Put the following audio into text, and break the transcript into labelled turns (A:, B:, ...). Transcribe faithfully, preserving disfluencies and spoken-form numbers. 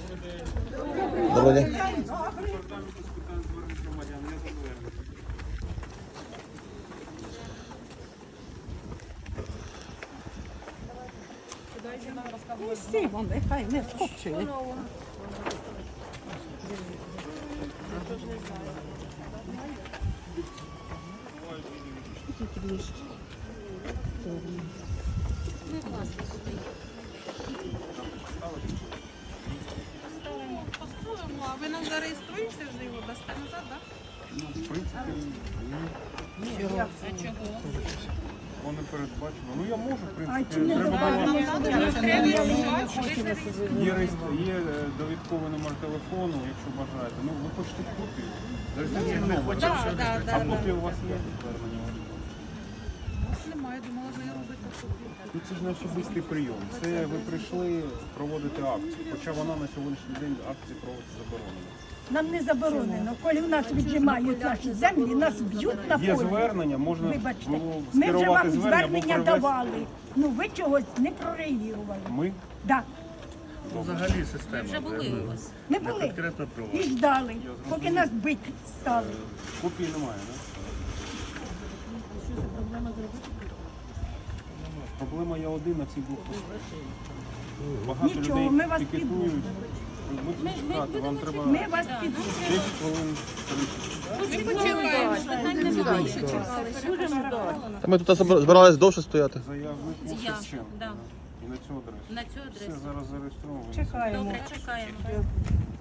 A: Доброго дня.
B: Сімо, нехай не скупчує.
C: Поставимо, а ви нам зареєструєте вже його, дасте назад, так?
D: Ну, в принципі, ні.
C: А чого?
D: Воно передбачено. Ну я можу, в принципі, треба було. Є, реєстр- є е, довідковий номер телефону, якщо бажаєте. Ну, ви хочете копію? Реєстраційний номер.
C: Так, так,
D: А
C: так.
D: копія у вас є? Звернення?
C: Немає, думала, ви робите копію.
D: Ну, це ж не особистий прийом. Це ви прийшли проводити акцію. Хоча вона на сьогоднішній день акції проводити заборонена.
B: Нам не заборонено. Коли в нас віджимають наші землі, нас б'ють на
D: Є
B: полі.
D: звернення, можна
B: Вибачте,
D: було
B: ми вже
D: скерувати
B: вам
D: звернення або
B: звернення
D: привести.
B: давали. Ну ви чогось не прореагували.
D: Ми?
B: Да.
E: Взагалі система.
C: Вже були у вас.
B: Ми були
E: Конкретно про
B: і ждали, поки нас бить стали.
D: Копії немає, так? Проблема є один на всіх блокпостах. Багато
B: Нічого,
D: людей
B: ми вас
D: пікетують. Ви будете чекати, вам треба
B: Ми вас підтримуємо.
D: десять хвилин.
C: Ми почекаємо, питань немає.
A: Та ми тут збиралися довше стояти.
D: Заявник був
C: Я,
D: Шевченко.
C: да.
D: І на цю адресу.
C: На цю
D: Все
C: адресу.
D: зараз зареєстровано.
B: Чекаємо.
C: Добре, чекаємо.